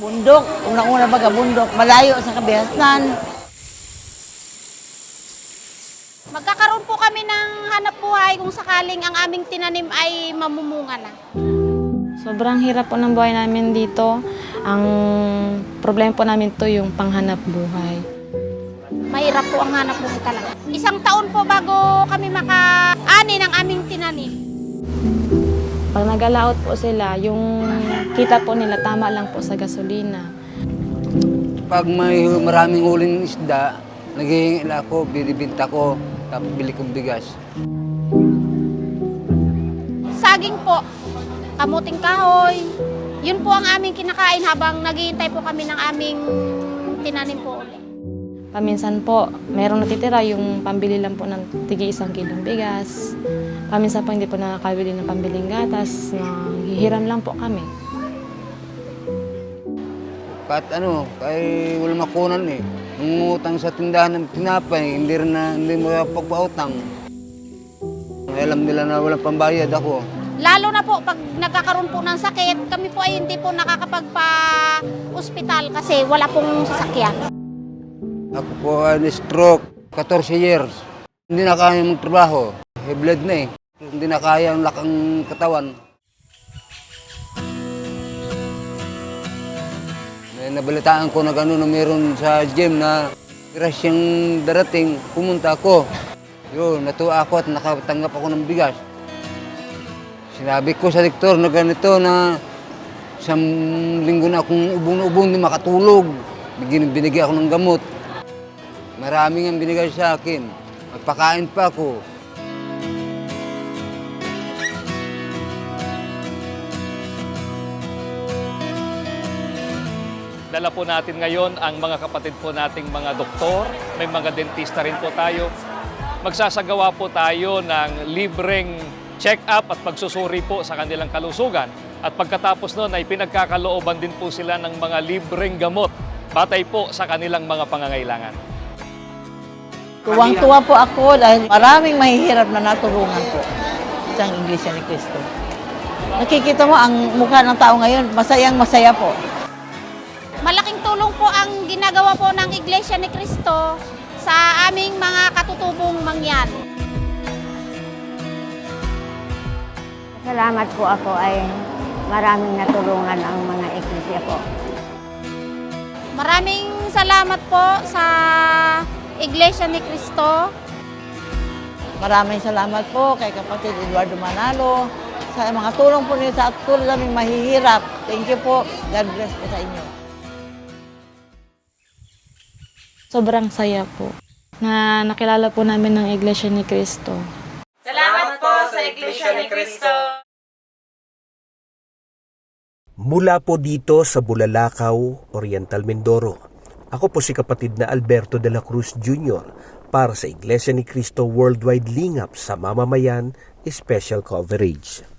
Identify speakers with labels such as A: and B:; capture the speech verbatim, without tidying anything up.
A: Bundok, unang-una baga bundok, malayo sa kabihasan.
B: Magkakaroon po kami ng hanap buhay kung sakaling ang aming tinanim ay mamumunga na.
C: Sobrang hirap po ng buhay namin dito. Ang problema po namin to yung panghanap buhay.
B: Mahirap po ang hanap buhay talaga. Isang taon po bago kami maka-ani ng aming tinanim.
C: Pag nag-alaot po sila, yung kita po nila tama lang po sa gasolina.
D: Pag may maraming huling isda, naghihingil ako, binibinta ko, tapos bili kong bigas.
B: Saging po, kamuting kahoy. Yun po ang aming kinakain habang naghihintay po kami ng aming tinanim po ulit.
C: Paminsan po, merong natitira yung pambili lang po ng tigi isang kilong bigas. Paminsan po hindi po nakakabili ng pambiling gatas, nanghihiram lang po kami.
D: Kahit ano, kaya wala makunan eh. Nungutang sa tindahan ng tinapay, hindi rin na, hindi mo pagpautang. Alam nila na walang pambayad ako.
B: Lalo na po pag nagkakaroon po ng sakit, kami po ay hindi po nakakapagpa-ospital kasi wala pong sasakyan.
D: Ako po ay na-stroke, fourteen years. Hindi na kaya magtrabaho. High blood na eh. Hindi na kaya ang lakang katawan. May nabalitaan ko na gano'n na meron sa gym na crash yung darating, pumunta ako. Yun, natuwa ako at nakatanggap ako ng bigas. Sinabi ko sa doktor na ganito na isang linggo na akong ubong na ubong, hindi makatulog. Binigyan ako ng gamot. Maraming ang binigay sa akin. Magpakain pa ako.
E: Dala po natin ngayon ang mga kapatid po nating mga doktor, may mga dentista rin po tayo. Magsasagawa po tayo ng libreng check-up at pagsusuri po sa kanilang kalusugan. At pagkatapos nun ay pinagkakalooban din po sila ng mga libreng gamot batay po sa kanilang mga pangangailangan.
A: Tuwang-tuwa po ako dahil maraming mahihirap na natulungan po sa Iglesia ni Cristo. Nakikita mo ang mukha ng tao ngayon, masayang masaya po.
B: Malaking tulong po ang ginagawa po ng Iglesia ni Cristo sa aming mga katutubong mangyan.
F: Salamat po ako ay maraming natulungan ang mga iglesia po.
B: Maraming salamat po sa Iglesia ni Cristo.
A: Maraming salamat po kay kapatid Eduardo Manalo sa mga tulong po niyo sa tulong naming mahihirap. Thank you po. God bless po sa inyo.
C: Sobrang saya po na nakilala po namin ng Iglesia ni Cristo.
G: Salamat po sa Iglesia ni Cristo.
H: Mula po dito sa Bulalakaw, Oriental Mindoro. Ako po si kapatid na Alberto de la Cruz Junior para sa Iglesia ni Cristo Worldwide Lingap sa Mamamayan Special Coverage.